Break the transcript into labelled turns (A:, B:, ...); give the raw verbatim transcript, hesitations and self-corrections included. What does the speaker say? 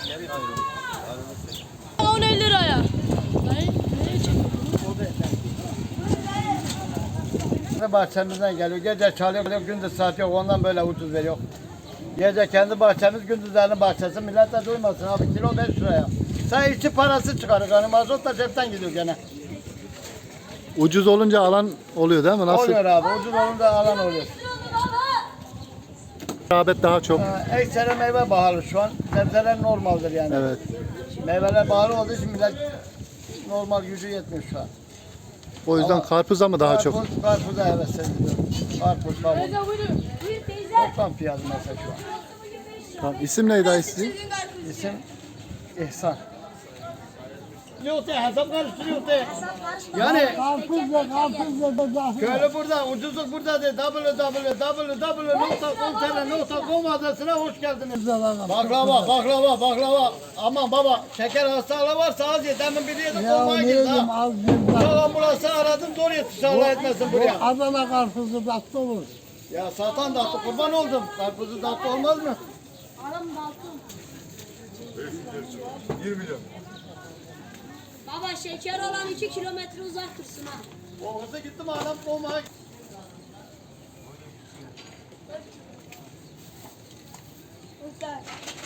A: on elli liraya.
B: Bahçemizden geliyor. Gece çalıyor, gündüz saat yok. Ondan böyle ucuz veriyor. Gece kendi bahçemiz, gündüzlerin bahçesi. Millet de duymasın abi. Kilo beş liraya. Sen içi parası çıkarır. Yani mazot da cepten gidiyor gene.
C: Ucuz olunca alan oluyor değil mi? Nasıl?
B: Oluyor abi. Ucuz olunca alan oluyor.
C: Rağbet daha çok.
B: Ee, Ekseri meyve baharı şu an. Sebzeler normaldir yani.
C: Evet.
B: Meyveler baharı olduğu için millet normal gücü yetmiyor şu an.
C: O yüzden
B: Ama
C: karpuza mı daha çok?
B: Karpuz, karpuza evet seviyorum. Karpuz, kavun. Toplam fiyatı mesela şu an.
C: Tamam. İsim neydi dayı sizin?
B: İsim İhsan. Yok de hesap karıştırıyor de. Yani
D: Karpuzla karpuzla
B: köylü burada, ucuzluk burada de. w w w nokta com nokta com adresine hoş geldiniz. Baklava, baklava, baklava. Aman baba, şeker hastalığı varsa az ye. Demin biri yedi kolmaya girdi ha.
D: az bir
B: Çok ambulansı aradım, zor yetiş Allah etmesin buraya.
D: Adana karpuzu tatlı olur.
B: Ya satan tatlı kurban oldum. Karpuzu tatlı olmaz mı?
E: bir milyon.
A: Baba şeker olan iki kilometre uzak dursun ha.
B: O hızlı gittim adam kolmaya.
A: Usta.